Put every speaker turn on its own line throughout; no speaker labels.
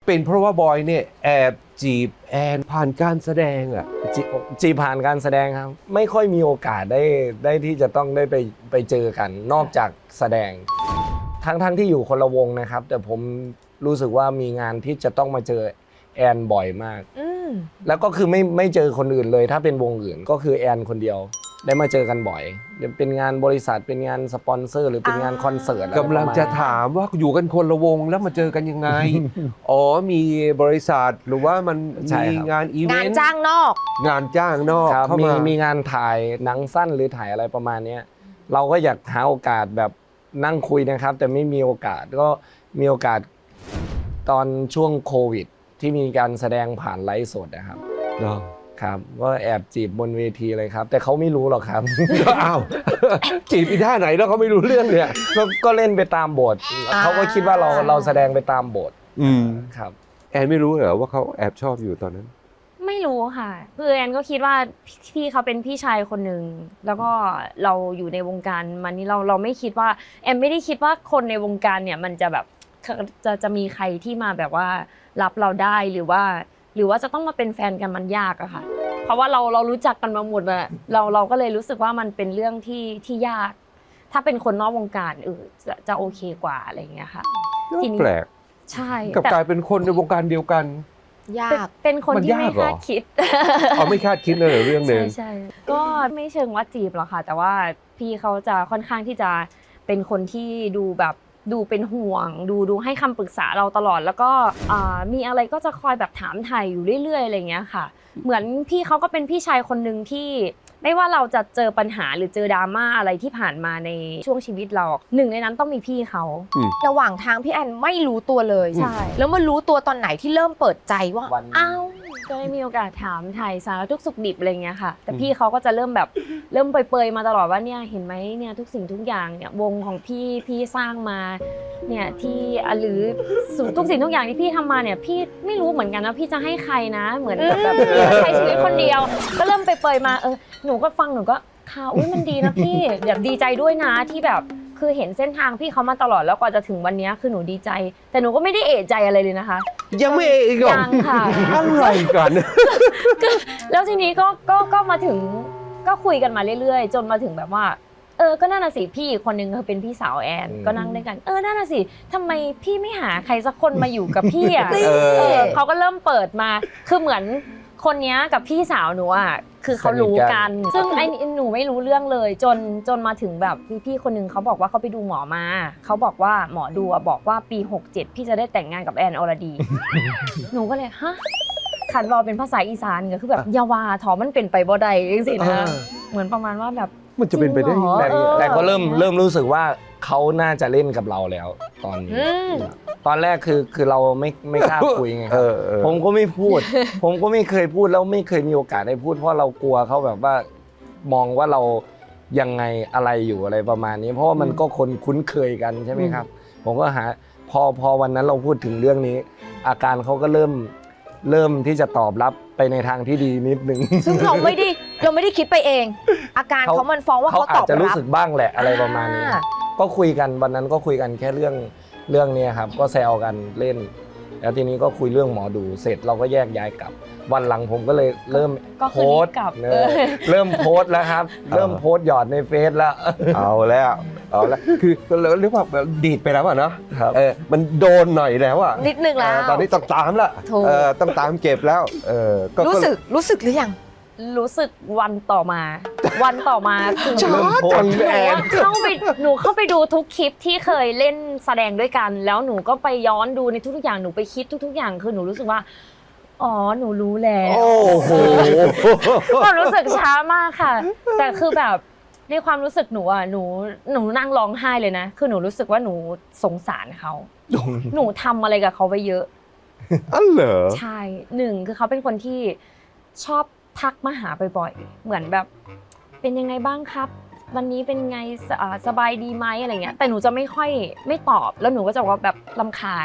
เป็นเพราะว่าบอยเนี่ยแอบจีบแอนผ่านการแสดงอ่ะ
จีผ่านการแสดงครับไม่ค่อยมีโอกาสได้ที่จะต้องได้ไปเจอกันนอกจากแสดงทั้งที่อยู่คนละวงนะครับแต่ผมรู้สึกว่ามีงานที่จะต้องมาเจอแอนบ่อยมากแล้วก็คือไม่เจอคนอื่นเลยถ้าเป็นวงอื่นก็คือแอนคนเดียวได้มาเจอกันบ่อยเป็นงานบริษัทเป็นงานสปอนเซอร์หรือเป็นงานคอนเสิร์ต
กำลังจะถามว่าอยู่กันคนละวงแล้วมาเจอกันยังไง อ๋อมีบริษัทหรือว่ามันมีงานอีเวนต์
งานจ้างนอก
งานจ้างนอกเข้า
มีงานถ่ายหนังสั้นหรือถ่ายอะไรประมาณนี้เราก็อยากหาโอกาสแบบนั่งคุยนะครับแต่ไม่มีโอกาสก็มีโอกาสตอนช่วงโควิดที่มีการแสดงผ่านไลฟ์สดนะครับครับก็แอบจีบบนเวทีเลยครับแต่เขาไม่รู้หรอกครับ
อ้าว จีบอีท่าไหนแล้วเขาไม่รู้เรื่องเนี่ย
ก็เล่นไปตามบทเขาก็คิดว่าเราแสดงไปตามบทครับ
แอนไม่รู้เหรอว่าเขาแอบชอบอยู่ตอนนั้น
ไม่รู้ค่ะคือแอนก็คิดว่าพี่เขาเป็นพี่ชายคนหนึ่งแล้วก็เราอยู่ในวงการมันนี่เราไม่คิดว่าแอนไม่ได้คิดว่าคนในวงการเนี่ยมันจะแบบจะมีใครที่มาแบบว่ารับเราได้หรือว่าจะต้องมาเป็นแฟนกันมันยากอะค่ะเพราะว่าเรารู้จักกันมาหมดอะเราก็เลยรู้สึกว่ามันเป็นเรื่องที่ยากถ้าเป็นคนนอกวงการจะโอเคกว่าอะไรอย่างเงี้ยค่ะ
ทีนี้แปลก
ใช่
กับกลายเป็นคนในวงการเดียวกัน
ยากเป็นคนที่ไม่คาดคิด
ไม่คาดคิดเลยเรื่องนึง
ใช่ก็ไม่เชิงว่าจีบหรอกค่ะแต่ว่าพี่เขาจะค่อนข้างที่จะเป็นคนที่ดูแบบดูเป็นห่วงดูให้คำปรึกษาเราตลอดแล้วก็มีอะไรก็จะคอยแบบถามไถ่อยู่เรื่อยๆอะไรเงี้ยค่ะเหมือนพี่เขาก็เป็นพี่ชายคนนึงที่ไม่ว่าเราจะเจอปัญหาหรือเจอดราม่าอะไรที่ผ่านมาในช่วงชีวิตเราหนึ่งในนั้นต้องมีพี่เขา
ระหว่างทางพี่แอนไม่รู้ตัวเลย
ใช่
แล้วมารู้ตัวตอนไหนที่เริ่มเปิดใจว่า
อ้าวก็ได้มีโอกาสถามไถ่สารทุกสุขดิบอะไรเงี้ยค่ะแต่พี่เขาก็จะเริ่มเปรยๆมาตลอดว่าเนี่ยเห็นไหมเนี่ยทุกสิ่งทุกอย่างเนี่ยวงของพี่สร้างมาเนี่ยที่หรือทุกสิ่งทุกอย่างที่พี่ทำมาเนี่ยพี่ไม่รู้เหมือนกันนะพี่จะให้ใครนะเหมือนแบบใช้ชีวิตคนเดียวก็เริ่มเปรยๆมาหนูก็ฟังหนูก็ค่ะอุ้ยมันดีนะพี่แบบดีใจด้วยนะที่แบบคือเห็นเส้นทางพี่เขามาตลอดแล้วกว่าจะถึงวันนี้คือหนูดีใจแต่หนูก็ไม่ได้เอะใจอะไรเลยนะคะ
ยังไม่เอะอีกหรอ
ยังค่ะ
อะไรกัน
แล้วทีนี้ก็มาถึงก็คุยกันมาเรื่อยๆจนมาถึงแบบว่าก็น่าสิพี่คนนึงเป็นพี่สาวแอนก็นั่งด้วยกันน่าสิทำไมพี่ไม่หาใครสักคนมาอยู่กับพี่อ่ะเขาก็เริ่มเปิดมาคือเหมือนคนนี้กับพี่สาวหนูอ่ะคือเขารู้กันซึ่งไอ้หนูไม่รู้เรื่องเลยจนมาถึงแบบพี่คนนึงเขาบอกว่าเขาไปดูหมอมาเขาบอกว่าหมอดูบอกว่าปี67พี่จะได้แต่งงานกับแอนอรดี หนูก็เลยฮะขันรอเป็นภาษาอีสานก็คือแบบยาวาถอมันเป็นไปบ่ได้จริงๆนะเหมือนประมาณว่าแบบ
มันจะเป็นไปได้ยังไง
แต่ก็เริ่มรู้สึกว่าเขาน่าจะเล่นกับเราแล้วตอนนี้ตอนแรกคือเราไม่กล้าคุยไงครับผมก็ไม่พูดผมก็ไม่เคยพูดแล้วไม่เคยมีโอกาสได้พูดเพราะเรากลัวเขาแบบว่ามองว่าเรายังไงอะไรอยู่อะไรประมาณนี้เพราะว่ามันก็คนคุ้นเคยกันใช่ไหมครับผมก็พอวันนั้นเราพูดถึงเรื่องนี้อาการเขาก็เริ่มที่จะตอบรับไปในทางที่ดีนิดนึง
ซึ่งเราไม่ได้คิดไปเองอาการเขามันฟ้องว่าเขาตอบรับ
เขาอาจจะรู้สึกบ้างแหละอะไรประมาณนี้ก็คุยกันวันนั้นก็คุยกันแค่เรื่องนี้ครับก็แซวกันเล่นแล้วทีนี้ก็คุยเรื่องหมอดูเสร็จเราก็แยกย้ายกลับวันหลังผมก็เลยเริ่มโพสต์เริ่มโพสต์แล้วครับเริ่มโพสต์หยอดในเฟซแล้ว
เอาแล้วคือเรียกว่าดีดไปแล้วอ่ะเนาะมันโดนหน่อยแล้วอ่ะ
นิดนึงแล้ว
ตอนนี้ต้องตามละต้องตามเก็บแล้ว
รู้สึกหรือยัง
รู้สึกวันต่อมาคือ
หนู
เข้าไปดูทุกคลิปที่เคยเล่นแสดงด้วยกันแล้วหนูก็ไปย้อนดูในทุกๆอย่างหนูไปคิดทุกๆอย่างคือหนูรู้สึกว่าอ๋อหนูรู้แล้ว
โอ้โห
ความรู้สึกช้ามากค่ะแต่คือแบบในความรู้สึกหนูอ่ะหนูนั่งร้องไห้เลยนะคือหนูรู้สึกว่าหนูสงสารเขาหนูทำอะไรกับเขาไปเยอะ
เหรอ
ใช่หนึ่งคือเขาเป็นคนที่ชอบทักมาหาบ่อยๆเหมือนแบบเป็นยังไงบ้างครับวันนี้เป็นไงสบายดีไหมอะไรเงี้ยแต่หนูจะไม่ตอบแล้วหนูก็จะบอกว่าแบบรำคาญ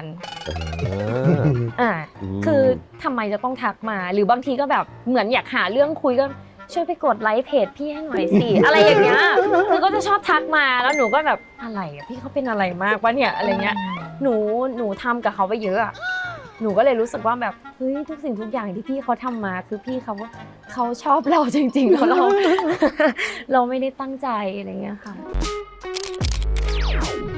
คือทำไมจะต้องทักมาหรือบางทีก็แบบเหมือนอยากหาเรื่องคุยก็ช่วยไปกดไลค์เพจพี่ให้หน่อยสิอะไรอย่างเงี้ยคือก็จะชอบทักมาแล้วหนูก็แบบอะไรพี่เขาเป็นอะไรมากวะเนี่ยอะไรเงี้ยหนูทำกับเขาไปเยอะหนูก็เลยรู้สึกว่าแบบเฮ้ยทุกสิ่งทุกอย่างที่พี่เขาทำมาคือพี่เขาชอบเราจริงๆแล้วเรา เราไม่ได้ตั้งใจอะไรเงี้ยค่ะ